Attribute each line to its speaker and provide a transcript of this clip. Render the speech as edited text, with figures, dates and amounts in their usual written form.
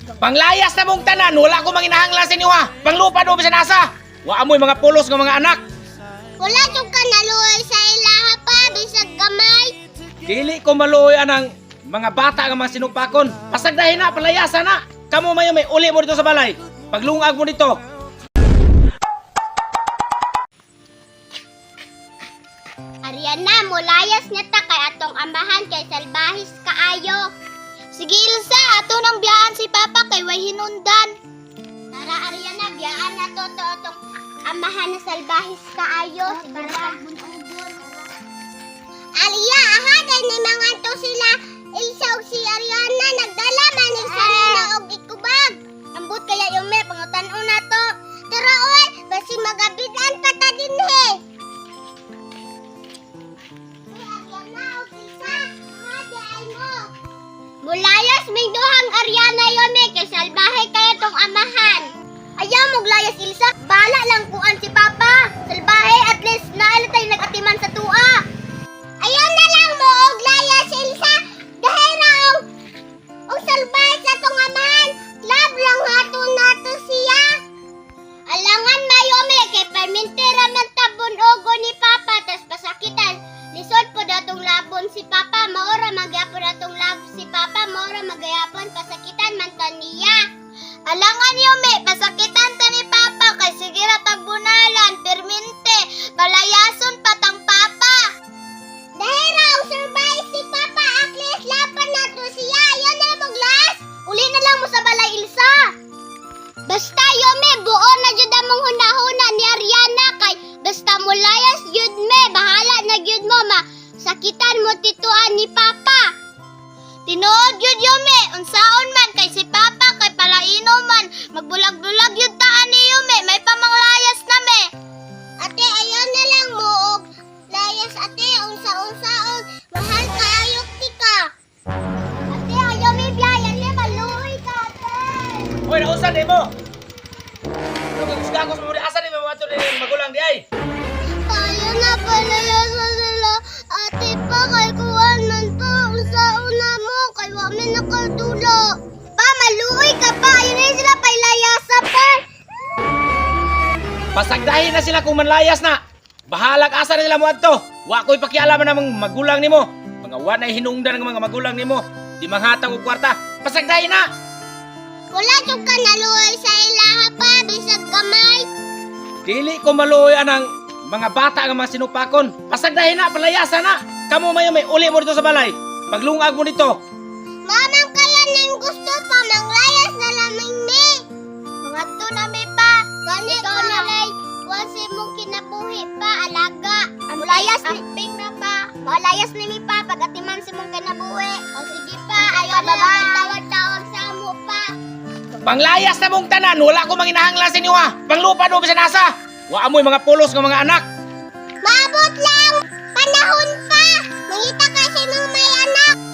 Speaker 1: Panglayas na mong tanan, wala ko manginahanglan sa inyo ha. Panglupa do bisan asa. Wa amoy mga pulos ng mga anak.
Speaker 2: Wala jud ka naluoy sa ilaha pa bisag gamay.
Speaker 1: Dili ko maluoy anang mga bata nga mga sinupakon. Pasagdahin na, palayasan na. Kamu mayo may uli mo dito sa balay. Paglungag mo dito.
Speaker 2: Ariana, mulayas niya ta kay atong amahan kay salbahis kaayo. Sige Ilsa, ato nang biyaan si Papa kay way hinundan. Tara Ariana, biyaan na to atong amahan na salbahis kaayo. Tara. Alia, aha, dahil ni mga to sila Ilsa ug si Ariana nagdala man ni sa nila og ikubag. Ambot kaya yung may pangutan-o na to. Tara oy, basi magabitan pa ta dinhi. Mulayas may duhang Ariana yome kay salbahe kaya tong amahan. Ayaw moglayas Ilsa, bala lang kuan si Papa. Salbahe at least naala tayo nagatiman sa tua. Ayaw na lang mo og layas Ilsa. Dahil raw og salbahe sa tong amahan. Love lang haton nato siya. Alangan mayome kay permintera man tabon ogo ni Papa tas pasakitan. Lisod po datong labon si Papa, maora magyapon datong lab si Papa, maora magyapon pasakitan man ta niya. Alangan yume, pasakitan ta ni Papa kay sige ra tagbunalan, permente, palayason patang Papa. Dahil raw survive si Papa, at least laban na to siya. Yan na maglas. Uli na lang mo sa balay Ilsa. Basta yume, buo na jud among hunahuna ni Ariana kay basta mulayas jud me, bahala na jud mo ma. Sakitan mo tituan ni Papa. Tinuod jud yume, unsaon man kay si Papa kay palaino man, magbulag-bulag jud taan ni yume, may pamanglayas na me. Ate, ayaw na lang mo og layas ate, unsa-unsaon, mahal kaayok ti ka. Ate, ayaw may biyayan ni maluoy ka ate.
Speaker 1: Uy, nausan din mo. Gagos mo rin, asa din mo mga ito rin magulang di ay.
Speaker 2: Ayaw na palayasan sila. Ate pa, kay kuwan man to. Unsaon na mo, kay wami nakatulo. Pa, maluoy ka pa. Ayaw na sila pailayasa pa.
Speaker 1: Pasagdahin na sila kung manlayas na. Bahalag asa na nila mo adto. Wa ko'y pakialaman ng mga magulang nimo. Mga wa na hinungdan ng mga magulang nimo. Di manghatag og kwarta. Pasagdahin na.
Speaker 2: Wala jud ka naluoy sa ilaha pa. Bisag gamay.
Speaker 1: Dili ko maluoy anang mga bata nga mga sinupakon. Pasagdahin na, palayasan na. Kamu mayo may uli mo dito sa balay. Paglungag mo dito.
Speaker 2: Mamang kaya nang gusto pa. Manglayas na lamang me. Mga to na me pa. Ganit ko na lay. Wasi mong kinabuhi pa. Alaga. Mulayas ni Ping na pa. Malayas ni mi pa. Pag-atiman si mong kinabuhi. O sige pa. Ayaw na lang tawag-tawag sa mo pa.
Speaker 1: Panglayas na mong tanan, wala ko manginahanglan sa inyo ha. Panglupa do bisan asa. Wa amoy mga pulos ng mga anak.
Speaker 2: Maabot lang. Panahon pa. Mangita kasi mong may anak.